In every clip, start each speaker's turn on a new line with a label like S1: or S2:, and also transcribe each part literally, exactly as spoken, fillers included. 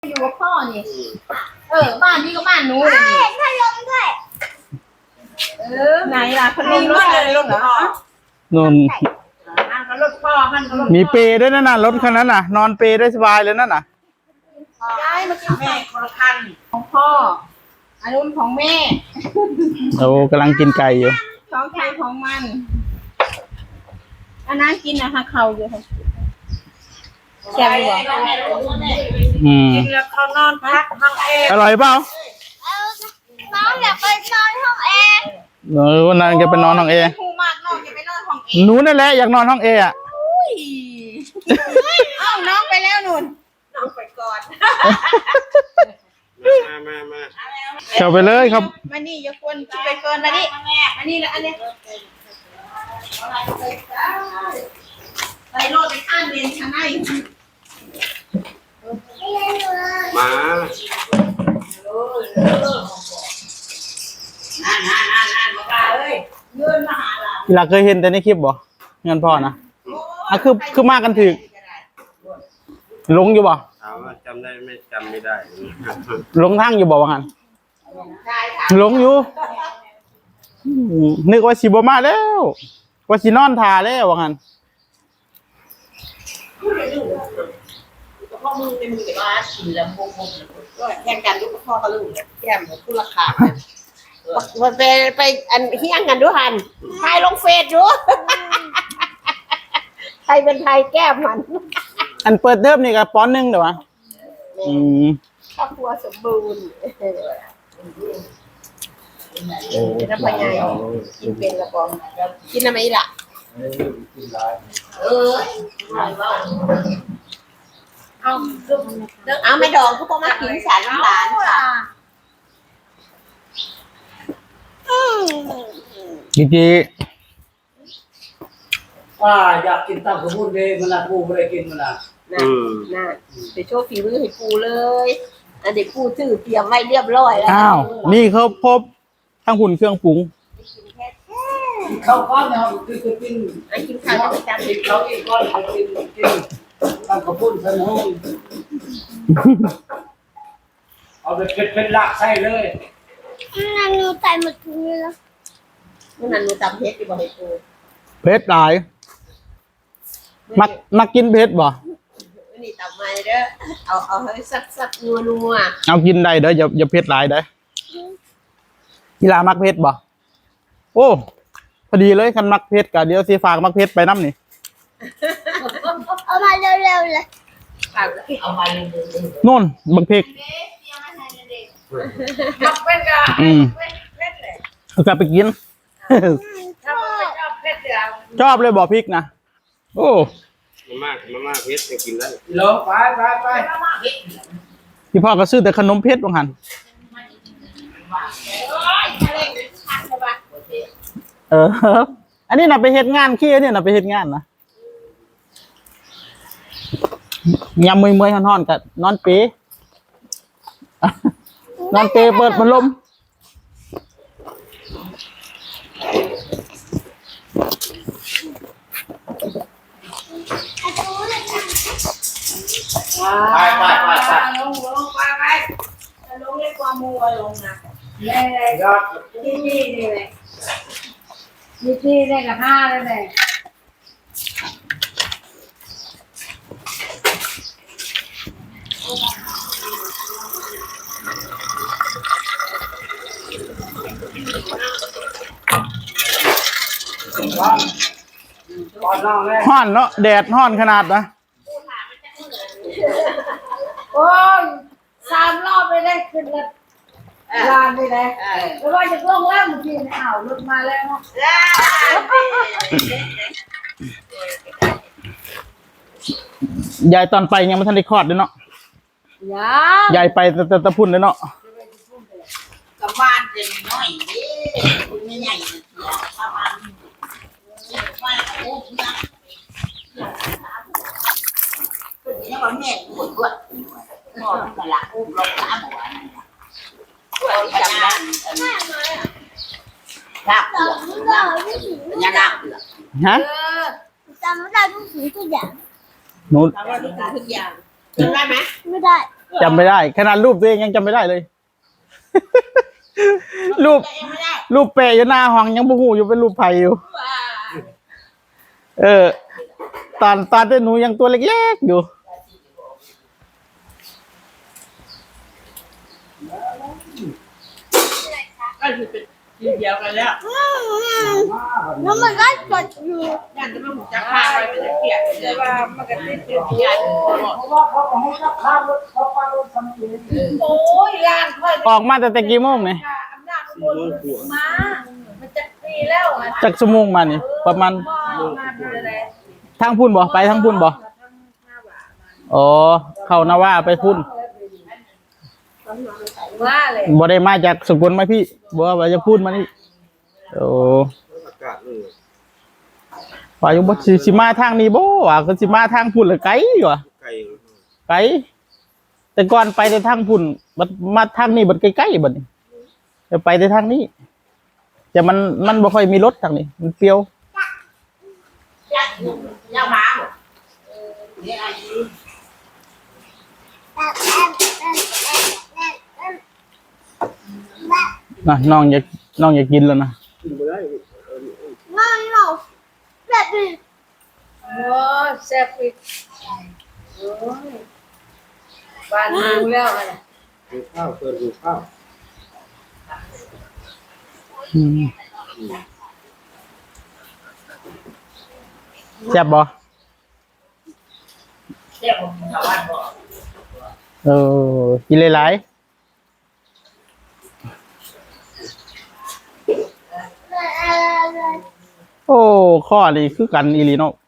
S1: อยู่กับพ่อนี่เออบ้านนี้ก็บ้านนู้นเลยเห็นพัดลมด้วยเออไหนล่ะพัดลมรถอะไรรถเหรอ
S2: นุ่น
S1: รถพ่อมัน
S2: มีเปย์ด้วยนั่นน่ะรถคันนั้นน่ะนอนเปย์ได้สบายเลยนั่นน่ะ
S1: ย้ายมากินแม่คนละคันของพ่ออันนู้นของแม่
S2: โอ้กำลังกินไก่อยู่
S1: ของใครของมันอันนั้นกินนะคะเขาอยู่ค่ะแซ่บอยู่
S2: อืม
S1: กินแล้วเขานอนพักห้องเอง
S2: อร่อยเปล่า
S1: น้องอยากไปนอนห้องเอ
S2: เออวันนั้นแกไปนอนห้องเอ
S1: คูมากน้องอยากไปนอนห้องเอ
S2: หนูนั่นแหละอยากนอนห้องเออ่ะ
S1: เอ้าน้องไปแล้วนุ่นน้องไปก่อน
S3: มามามา
S2: เข้าไปเลยครับ
S1: มานี่อย่าควรไปเกินมานี่อันนี้แหละอันนี้ไปโลดไปข้างเรียนชั้นไหน
S3: มา
S2: หลักเคยเห็นแต่ในคลิปบ่เงินพ่อนะอ่ะคือคือมากันถึกลงอยู่บ่
S3: ถามว่าจำได้ไม่จำไม่ได้
S2: ลงทางอยู่บ่ว่างั้นลงอยู่นึกว่าสิบ่มาแล้วว่าสินอนท่าแล้วว่างั้น
S1: พ่อมึงเป็นมึงแต่ว่ากินแล้วโมโมก็แข่งกันลูกพ่อกับลูกแก้มคู่ราคามันไปไปอันเฮี้ยงกันด้วยหันไทยลงเฟซดูไทยเป็นไทยแก้มมัน
S2: อันเปิดเทอมนี่ก็ปอนหนึ่งเดี๋ยววะอืม
S1: ครอบครัวสมบูรณ์เป็นน้ำพายายกินเป็นกระป๋องกินอะไรล่ะเออเอาเอาไม่ดองก็พอมากินสารน้ำตาล
S2: จีจี
S4: ว่าอยากกินตับกระพุ้นเลยมันละปูไม่ได้กินมันละ
S1: น่ะน่ะไปโชว์ฝีมือให้ปูเลยอันเด็กปูถือเตรียมไว้เรียบร้อยแล้ว
S2: อ้าวนี่เขาพบทั้งหุ่นเครื่องปรุง
S4: เขาก้อนเนี่ยคือจะกิน
S1: ไอ้กินข้าวจะจำ
S4: กินเขาอีกก้อนกินกินตับกระพุ้นสนุกเอาไปเป็นเป็นหลักใส่เลย
S1: นั่นหนูใส่หมดทุกเลยแล้วนั่นหนูตำเพชรที่บอกให้ปู
S2: เพชรหลายมักมักกินเพชรบ่
S1: นี่ตำมาเด้อเอาเอาให้สักสักนัวนัว
S2: เอากินได้เด้ออย่าอย่าเพชรหลายเด้อกีฬามักเพชรบ่โอ้พอดีเลยคันมักเพชรกะเดี๋ยวสิฝากมักเพชรไปน้ำนี่
S1: เอามาเร็วๆเลยเอามาเร็ว
S2: ๆนู่นบักเพชร
S1: มักเพชรกะ
S2: อืมเอากลับไปกินชอบเลยบ่พริกนะโอ้
S3: มาม่ามาม่าเพชรจะกินได้
S4: ลงไปไปไป
S2: พี่พ่อก็ซื้อแต่ขนมเพชรบางหันเอออันนี้น่ะไปเฮ็ดงานขี้เนี่ยน่ะไปเฮ็ดงานนะยำมือมือห่อนๆกับนอนเปนอนเปเปิดพัดลม
S4: ไปไปไปไป
S1: ลงลงไปไปลงเรียกว่ามัวลงนะเลยยอดที่นี่นี่เลยนี่ที่ได้กับห้าเลยเลย
S2: ห้อนเนาะแดดห้อนขนาดนะ
S1: โอ้ยสามรอบไปเลยขึ้นรถลานไปเลยแล้วว่าจะล่วงแล้วเมื่อกี้อ้าวรถมาแล้ว
S2: ยายตอนไปยังไม่ทันได้คลอดเลยเนาะยายไปแต่ตะพุ่นเลยเนาะ
S1: กับบ้านจะน้อยดิคุณไม่ใหญ่ประมาณว่าโอ้ยนะคุณเนี่ยว่าแม่ปวดปวดนอนแต่ละอุ้มลงน้ำหัวนั่นแหละปวดจำได้ลาบเปลือกยังลาบเปลือก
S2: ฮะ
S1: จำไม่ได้ทุกสิ่งทุกอย่าง
S2: หนู
S1: จำได้ทุกสิ่งทุกอย่างจำได้ไหม
S5: ไม่ได้
S2: จำไม่ได้ขนาดรูปตัวเองยังจำไม่ได้เลย รูป
S1: ตัวเองไม่ได้
S2: รูปเปะอยู่หน้าห้องยังบูฮูอยู่เป็นรูปไผ่อยู่
S1: ว้า
S2: เออ ตอนตอนที่หนูยังตัวเล็กๆอยู่
S1: ก็คือเป็นทีเดียวกันแล้ว
S5: แล้วมันก็กดอยู่
S1: ยันจะมาหูจักพาไปเป็นเกียรติเลยว่ามันก็ติดเป็นยัน
S4: เพราะว่าเขาเอาให้รับข้าวรถเขาป้ารถทำเอง
S1: โอ้ยย่านค่อย
S2: ออกมาแต่แต่กี่โมงเนี่ย
S1: อำนาจข้างบนมา มันจะปีแล้วอ่ะ
S2: จากชั่วโมงมานี่ประมาณ
S1: มาเลย
S2: ทางพุ่นบ่ไปทางพุ่นบ่อ๋อเข้านาวาไปพุ่น
S1: ว่าเลย
S2: บ่ได้มาจากสกลมาพี่บ่ว่าจะพูดมานี่โอ้
S3: อากาศนี่
S2: ว่าอยู่บ่สิสิมาทางนี้บ่ว่าคือสิมาทางพุ่นละไกลว่ะ
S3: ไก่
S2: ไกลแต่ก่อนไปแต่ทางพุ่นบัดมาทางนี้บัดใกล้ๆบัดนี้จะไปแต่ทางนี้แต่มันมันบ่ค่อยมีรถทางนี้มันเปรียว
S1: ยันยาวมาเนี่ยอายุ
S2: นะน้องอยากน้องอยากกินแล้วนะ
S3: กินไม่ได้
S5: นั่นเราแบบนี้
S1: โอ้แซ่บอีกโอ้ยบ้านดูแล้วอะไร
S3: ดูข้าวเปิดดูข้าว
S2: อืมแซ่บบ่
S1: เรียกผมชาวบ้านบอก
S2: เออกินหลายๆโอ้ข้อนี้คือกันอีหลีเนาะ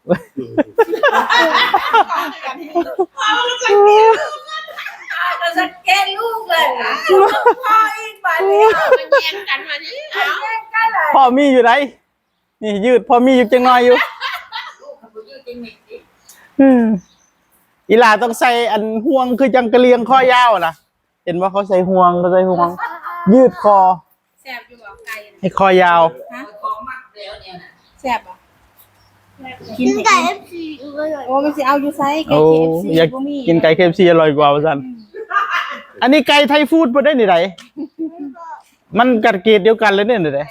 S1: ก็สังเกตลูกเลยพ่ออีกบ้านนี้มันแย่งกันมานี่เอาแย่งกันเลย
S2: พ่อมีอยู่ไหนนี่ยืดพ่อมีอยู่จังน้อยอยู่
S1: ลูกเขาไปยืดจริงจริง
S2: อืมอีหลาต้องใส่อันห่วงคือจังกะเลียงข้อยาวนะเห็นว่าเขาใส่ห่วงเขาใส่ห่วง ยืดคอ
S1: แซ่บอยู่บอกไก่
S2: ให้คอยาว
S1: ฮะของมักแล้วเนี่ยนะแซ่บอ่ะ
S5: กินไก่เอฟซีเลย
S1: โอ้มันสิเอาอยู่ไซไก่
S2: โอ้
S1: เคเอฟซี
S2: อยาก
S1: บ่มี
S2: กินไก่เคฟซีอร่อยกว่าสันอันนี้ไก่ไทยฟู้ดบ่ได้นี่ไหนมันกัดเกรดเดียวกันเลยเนี่ยนี่ไหน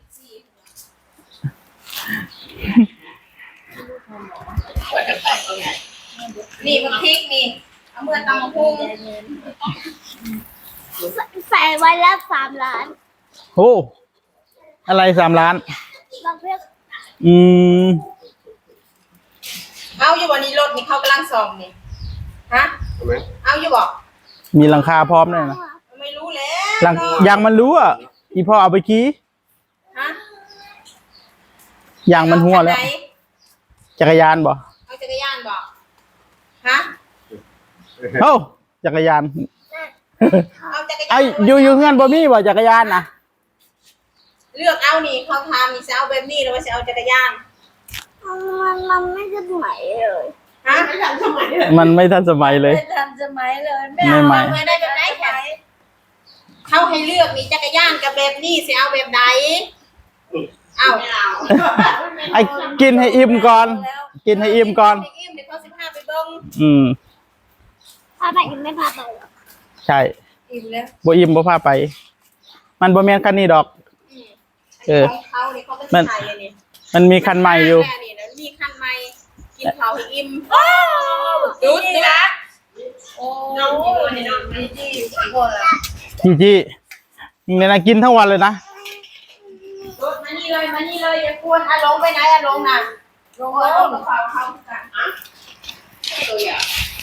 S1: นี่มันพริกนี่เอาเมื่อตำมะพุง
S5: ใส่ไว้แล้วสามล้าน
S2: โอ้อะไรสามล้าน
S5: บางเพื่อน
S2: อืม
S1: เอาอยู่วันนี้รถนี่เขากำลังส่องนี่ฮะ
S3: ทำไหม
S1: เอาอยู่บอก
S2: มีหลังคาพร้อมด้วยนะ
S1: ไม่รู้แล้
S2: หลัง
S1: ว
S2: ยางมันรู้อ่ะอีพ่อเอาไปขี่
S1: ฮะ
S2: ยางมันหัวแล้ว
S1: เอาคันไหน
S2: จักรยานบ่
S1: เอาจักรยานบอกฮะ
S2: เอ้าจักรยาน
S1: เอาจักรยาน
S2: ไอ้อยู่อยู่เงื่อนบ่มีบ่จักรยานนะ
S1: เลือกเอานี่เขาทำนี่จะเอาแบบนี้หรือว่าจะเอาจักรยาน
S5: มันมันไม่จะไหมเลย
S1: ฮะไม่ทันสมัยเลย
S2: มันไม่ทันสมัยเลย
S1: ไม่ทันสมัยเลย
S2: ไม่ใหม่
S1: ไม่ได้แบบไหนแค่เขาให้เลือกมีจักรยานกับแบบนี้จะเอาแบบไหนเอาไม่เอา
S2: ไอ้กินให้อิ่มก่อน กินให้อิ่มก่อน
S1: ให้อิ่มเดี๋ยวเขาสิพาไปเบิ้ง
S2: อืม
S5: พาไปยังไม่พาไปหรอก
S2: ใช่
S1: อิ่มแล้ว
S2: บ่อิ่มบ่พาไป มันบ่แม่นคันนี้ดอก เออ
S1: ของเขาเนี่ยเขาก็
S2: มัน
S1: ใส่เลยนี่
S2: มันมีคันใหม่อยู่
S1: แค่นี้นะมีคันใหม่กินเขาให้อิ่มดูดนะโอ้น้องนี่น้องนี่จีโคนละ
S2: จีจี้เนี่ยนะกินทั้งวันเลยนะ
S1: ดูดมานี่เลยมานี่เลยอย่ากวนอ่ะลงไปไหนอ่ะลงน่ะลงลงกับเขาเขากันอ่ะตัวอย่าง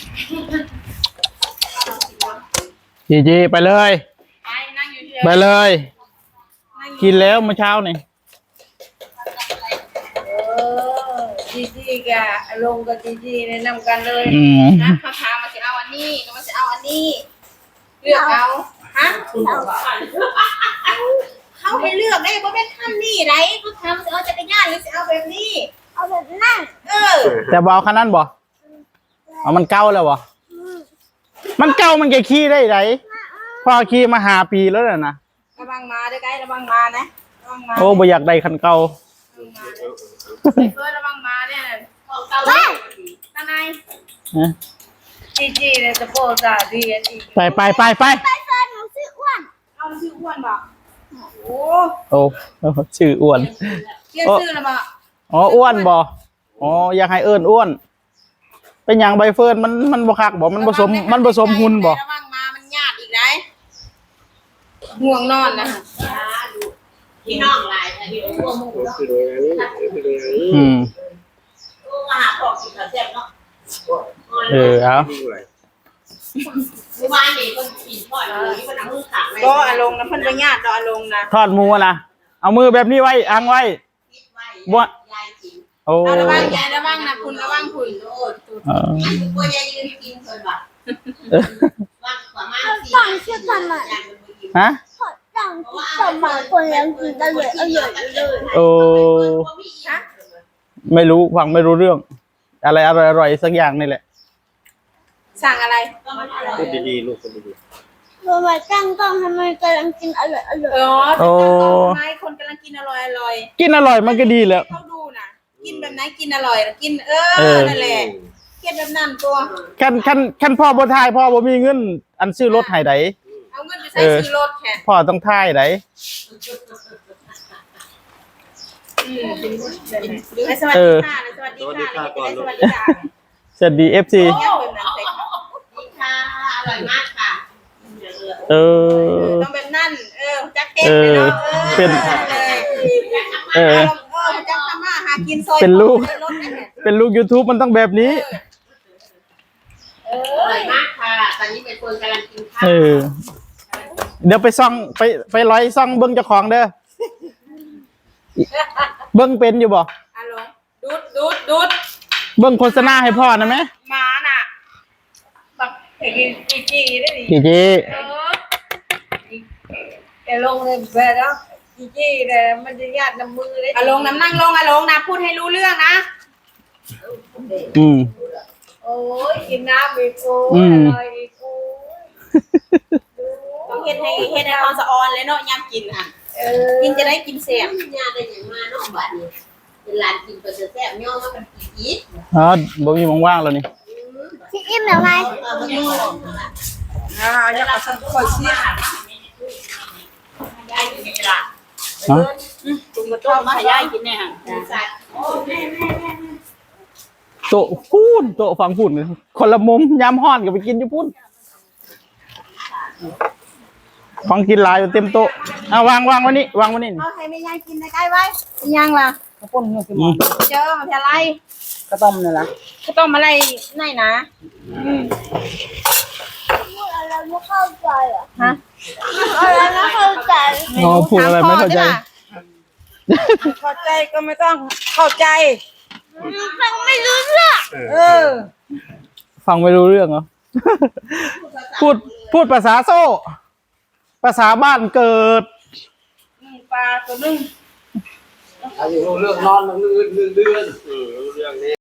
S2: จีจี้ไปเลย
S1: ไปนั่งอยู่เฉย
S2: ไปเลย
S1: นั่งอยู่
S2: กินแล้วเมื่อเช้านี่
S1: เออจีจีกะลงกับจีจีแนะนำกันเลย
S2: อืม
S1: นะเขาถามมาจะเอาอันนี้ก็มาจะเอาอันนี้ เลือกเอาฮะเขาให้เลือกได้เพราะเป็นขั้นนี้ไรเขาทำจะเอาจักรยานหรือจะเอาแบบนี้
S5: เอาแบบนั่ง
S1: เออ
S2: แต่บเอาคันนั้นบ่เอามันเก่าแล้วบ่มันเก่ามันแกขี่ได้ไหนพอขี่มาหาปีแล้วน่ะนะ
S1: ระวังมาด้วยไกด์ระวังมานะระวังมา
S2: โอ้บ่อยากได้คันเก่า
S1: ระวังมาไอ้เฟิร์สระวังมาเนี่ยของเก่าตาใน
S2: ฮะ
S6: จีจีเนี่ยจะโปรสาดีอันอีก
S2: ไปไปไปไป
S5: ไปเฟิร์นหนูชื่ออ้วน
S6: เอาชื่ออ้วนบ่โอ้
S2: โอ้ชื่ออ้วน
S6: เรียกชื่อแล้วบ่
S2: อ๋ออ้วนบ่อ๋ออยากให้เอิ้นอ้วน เป็นหยังใบเฟิร์นมันมันบ่คักบ่มันผสมมันผสมหุ่นบ่
S6: ระวังมามันญาติอีกได้ห่วงนอนนะ
S1: พี่น้องหลายแต่ที่ร่วมมือ
S3: ผมคือโดยนี้คือโดยนี้
S2: อืม
S1: มาหาของกินข้าวแซ่บเนาะ
S2: เออเอา
S3: ยิ่งไร
S1: เมื่อวานนี่คนกินทอดหมูที่มันเอามือขังไว้
S6: ก็อารมณ์นะเพิ่นไปญาติดอกอารมณ์นะ
S2: ทอดหมูอะนะเอามือแบบนี้ไว้อังไว้
S1: คิดไว้
S2: บ่
S1: ยายกิน
S2: โอ้
S6: เอาระวังยายระวังนะคุณระวังคุณ
S1: โลด
S2: เออ
S1: อันนี้ตัวยายยืนกินเพิ่นบ่ว่างประมาณสี่
S5: ตั้งชื่อทำไม
S2: ฮะ
S5: ขอตั้งชื่อทำไมคนยังกินอร่อยอร่อยเลย
S2: โอ้ไม่รู้ฟังไม่รู้เรื่อง อะไรอร่อยอร่อยสักอย่างนี่แหละ
S6: สั่งอะไร
S3: พูดดีๆลูกพูดดี
S5: ทำไมตั้งต้องทำไมกำลังกินอร่อยอร่อย
S6: เออ
S2: โอ้
S6: ทำไมคนกำลังกินอร่อยอร่อย
S2: กินอร่อยมันก็ดีแล้ว
S6: เขาดูน่ะ กินแบบไหนกินอร่อยกินเอ
S2: เอ
S6: อ
S2: อ
S6: นั่นแหละเก็บแบบนั้นตัว
S2: คันคันคันพ่อบ่ทายพ่อบ่มีเงิน อันซื้อรถให้ได
S6: เอาเงินไปใช้ซื้อรถแค่
S2: พ่อต้องทายได
S6: อืมให้สวัสดีค่ะสวัสดีค่ะสวัสดีค่ะ
S2: สวัสดี เอฟ ซี
S6: ยังเป็นนั้นใส่ค่ะ
S1: นี่ค่ะอร่อยมากค่ะ
S2: เออ
S6: ต้องแบบนั้นเออจักเก็ต
S2: เออ
S6: เนาะ
S2: เป็น
S6: เออ
S2: เออ
S6: เออจักทำมาหากินซอย
S2: เป็นลูก
S6: รถนั่นแหละ
S2: เป็นลูก YouTube มันต้องแบบนี้
S6: เอ
S1: อ
S6: อ
S1: ร่อยมากค่ะ ตอนนี้เป็นคนกำลังกินข้าว
S2: เออ เดี๋ยวไปซ่องไปไปร้อยซ่องเบิ้งเจ้าของเด้อ เบิ้งเป็นอยู่บ่
S6: อ่ะลงดูดดูดดูด
S2: เบิ้งโฆษณาให้พ่อนะไหม
S6: หมาน่ะบักไอ้กินจีจีได้ดิ
S2: จีจี
S6: เออแกลงเลยแบบแล้วจีจีแต่มันจะญาติน้ำมือเลยอ่ะลงน้ำนั่งลงอ่ะลงนะพูดให้รู้เรื่องนะ
S2: อืม
S6: โอ้ยกินน้ำอีกกู
S2: อืม
S6: อร่อยอีกกูต้องเฮ็ดให้เฮ็ดให้เขาสะออนเลยเนาะยามกินอ่ะกินจะได้กินเสียง
S1: ญาติได้อย่างมาเนาะบัดนี้เป็นร้านกินก็จะแซ่บย่อมาเป็นกี่อีก
S2: อ๋อบ่มีว่างๆแล้วนี่
S5: พี่อิ่มแล้วไง
S1: เออมันย่อ
S6: อ่าอยากเอาสักคนเสีย
S1: ยายกินไม่ละ
S2: ฮะ
S6: จุ่มกระต้มมาให้ยายกินเนี่ยฮะ
S1: สัตว์โอ้แม่แม่แม่
S2: โต๊ะพูนโต๊ะฟังพูนคนละมุมยามฮ้อนก็ไปกินอยู่พูนของกินหลายอยู่เต็มโต๊ะเอาวางวางไว้นี่วางไว้นี่
S6: เอาให้แม่ยายกินใกล้ๆไว้ยังล่ะ
S4: กระปุ้นเงี้ยสิ
S2: อืม
S6: เจอมาเพียไร
S4: กระต้มนี่ล่ะ
S6: ก็ต้องมาอะไรไหนนะ
S5: พูดอะไรไม่เข้าใจอ่ะ
S6: ฮะ
S5: พูดอะไรไม่เข้าใจ
S2: อ๋อพูดอะไรไม่เข้าใจ
S6: เข้าใจก็ไม่ต้องเข้าใจ
S5: ฟังไม่รู้เรื่อง
S6: เออ
S2: ฟังไม่รู้เรื่องเหรอ พูดพูดภาษาโซ่ ภาษาบ้านเกิด
S6: ปลาตัวนึง
S4: อายุเรื่องนอนเรื่องเดือนเดือน
S3: ๆเออรู้เรื่องนี้